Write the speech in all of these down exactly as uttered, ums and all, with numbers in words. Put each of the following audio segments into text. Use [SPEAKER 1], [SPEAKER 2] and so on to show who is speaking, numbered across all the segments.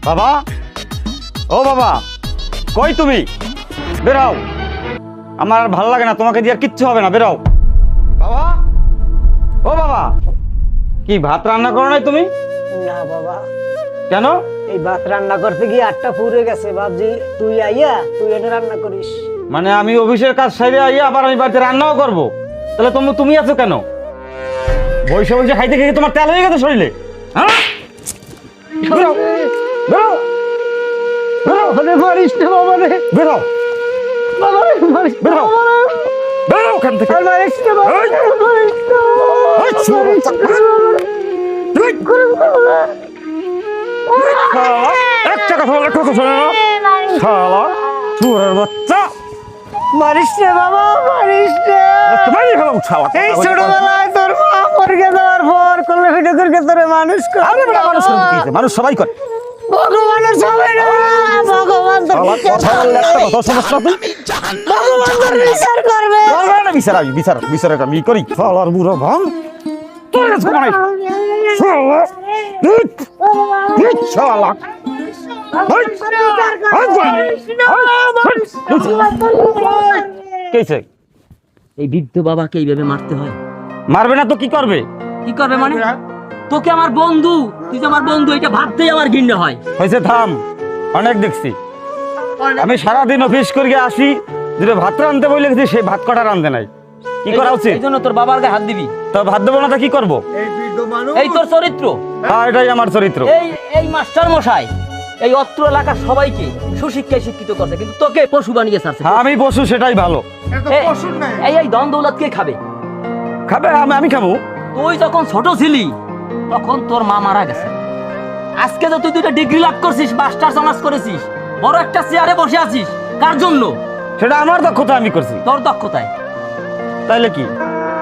[SPEAKER 1] বাবা, ও বাবা, কই তুমি? বেরাও, আমার আর ভালো লাগে না, তোমাকে দিয়ে আর কিচ্ছু হবে না, বেরাও। বাবা, ও বাবা, কি ভাত রান্না করো নাই তুমি?
[SPEAKER 2] না বাবা,
[SPEAKER 1] কেন?
[SPEAKER 2] এই ভাত রান্না করতে গিয়ে আটটা পুড়ে গেছে। ভাবছি তুই আইয়া তুই এটা রান্না করিস।
[SPEAKER 1] মানে আমি অফিসের কাজ সাইডে আইয়া আবার আমি বাড়িতে রান্নাও করবো? তাহলে তুমি তুমি আছো কেন? বসে বসে খাইতে খেয়ে তোমার তেল হয়ে গেছে শরীরে? হ্যাঁ, বেরো, বেরো, বেরো,
[SPEAKER 2] ওরে মারিস না বাবা রে,
[SPEAKER 1] বেরো,
[SPEAKER 2] বাবা রে মারিস না
[SPEAKER 1] বেরো,
[SPEAKER 2] বাবা রে।
[SPEAKER 1] বেরো ওখান থেকে।
[SPEAKER 2] আর মারিস না বাবা রে,
[SPEAKER 1] এই!
[SPEAKER 2] মারিস না বাবা,
[SPEAKER 1] এই ছোড়া
[SPEAKER 2] মারিস না
[SPEAKER 1] বাচ্চা।
[SPEAKER 2] বাবা।
[SPEAKER 1] তুই
[SPEAKER 2] করে বাবা।
[SPEAKER 1] শালা, একটা কথা বলে কথা শোনে না শালা, চোরের বাচ্চা।
[SPEAKER 2] মারিস না বাবা, মারিস না।
[SPEAKER 1] তোমায় খেলাম শালা।
[SPEAKER 2] এই ছোটবেলায় তোর মা মরে যাওয়ার পর করলে ভিডিও করে তোরে মানুষ করে।
[SPEAKER 1] আরে বেটা, মানুষ করে কি হয়েছে? মানুষ সবাই করে।
[SPEAKER 2] ভগবানের সবাই না, ভগবান তোর
[SPEAKER 1] শালা,
[SPEAKER 2] বিচার
[SPEAKER 1] কথা বললে একটা কথা শোনাস না তুই?
[SPEAKER 2] ভগবান তোর বিচার করবে।
[SPEAKER 1] করবে না বিচার, আমি বিচার বিচার আমি করি। শালার বুড়ো ভাঙ, তোর কাছে ঘুমাই। শালা, তুই, তুই শালা। এই, এই বল, এই, কেছে?
[SPEAKER 3] এই বৃদ্ধ বাবাকে এইভাবে মারতে হয়?
[SPEAKER 1] মারবে না তো কি করবে?
[SPEAKER 3] কি করবে মানে? তোকে আমার বন্ধু, তুই যে আমার বন্ধু, এটা ভাবতেই আমার ঘৃণা হয়।
[SPEAKER 1] হয়েছে, থাম, অনেক দেখছি। আমি সারাদিন অফিস করে আসি, দুটো ভাত রাঁধতে বলে গেছি, সেই ভাত কটা রাঁধতে নাই। কি করা উচিত?
[SPEAKER 3] এই জন্য তোর বাবার গায়ে হাত দিবি?
[SPEAKER 1] তো ভাত দেবো না তো কি করবো?
[SPEAKER 3] এই তোর চরিত্র।
[SPEAKER 1] হ্যাঁ, এটাই আমার চরিত্র।
[SPEAKER 3] এই এই মাস্টার মশাই এই অত্র এলাকার সবাইকে সুশিক্ষায় শিক্ষিত করছে, কিন্তু তোকে পশু বানিয়ে ছাড়ছে।
[SPEAKER 1] হ্যাঁ, আমি পশু, সেটাই ভালো।
[SPEAKER 3] এই- এই এই ধন দৌলত কে খাবে?
[SPEAKER 1] খাবে, আমি আমি খাবো।
[SPEAKER 3] তুই যখন ছোট ছিলি তখন তোর মা মারা গেছে। আজকে যে তুই দুইটা ডিগ্রি লাভ করছিস, মাস্টার্স অনার্স করেছিস, বড় একটা চেয়ারে বসে আছিস, কার জন্য?
[SPEAKER 1] সেটা আমার দক্ষতা, আমি করছি।
[SPEAKER 3] তোর দক্ষতায়।
[SPEAKER 1] তাইলে কি?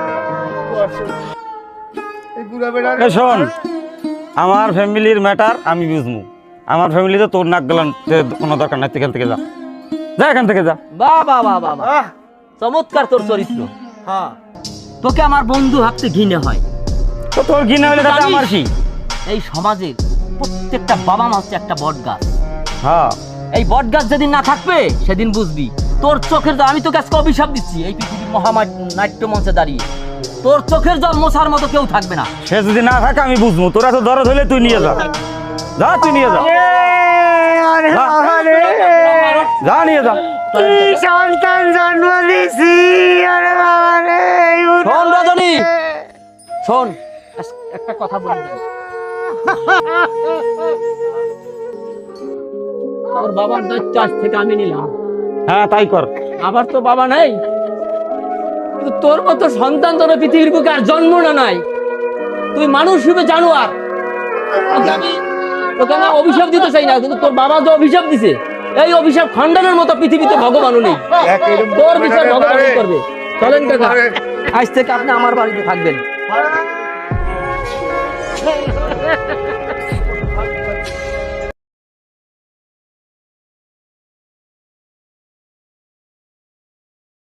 [SPEAKER 1] এ শোন, আমার ফ্যামিলির ম্যাটার আমি বুঝবো। আমার ফ্যামিলিতে তোর নাক গেলান কোনো দরকার নাই। এখান থেকে যা, যা এখান থেকে যা।
[SPEAKER 3] বাহ বাহ বাহ বাহ বাহ। চমৎকার তোর চরিত্র। তোকে আমার বন্ধু ভাবতে ঘৃণা হয়।
[SPEAKER 1] তো তোর ঘৃণা হলে তাতে আমার কি?
[SPEAKER 3] এই সমাজের প্রত্যেকটা বাবা মা হচ্ছে একটা বট গাছ।
[SPEAKER 1] হ্যাঁ,
[SPEAKER 3] এই বট গাছ যেদিন না থাকবে সেদিন বুঝবি তোর চোখের জল। আমি তোকে আজকে অভিশাপ দিচ্ছি, এই পৃথিবীর মহামায় নাট্য মঞ্চে দাঁড়িয়ে তোর চোখের জল মোছার মতো কেউ থাকবে না।
[SPEAKER 1] সে যদি না থাকে আমি বুঝবো। তোরা তো দরদ হলে তুই নিয়ে যা, যা তুই নিয়ে যা,
[SPEAKER 2] আরে
[SPEAKER 1] যা।
[SPEAKER 2] বাবা রে,
[SPEAKER 1] যা নিয়ে যা।
[SPEAKER 2] কি সন্তান জন্ম দিছি। আরে বাবা রে, এই
[SPEAKER 3] শোন রজনী, শোন, আজ- একটা কথা বলি তোকে। তোর বাবার দায়িত্ব আজ থেকে আমি নিলাম।
[SPEAKER 1] হ্যাঁ, তাই কর।
[SPEAKER 3] আবার তো বাবা নাই, কিন্তু তোর মতো সন্তান তোর পৃথিবীর বুকে আর জন্ম না নাই। তুই মানুষ রূপে জানোয়ার। তোকে আমি তোকে আমি অভিশাপ দিতে চাই না, কিন্তু তোর বাবা যে অভিশাপ দিছে, এই অভিশাপ খণ্ডনের মতো পৃথিবীতে ভগবানও নেই। তোর বিচার ভগবান করবে। চলেন কাকা, আজ থেকে আপনি আমার বাড়িতে থাকবেন।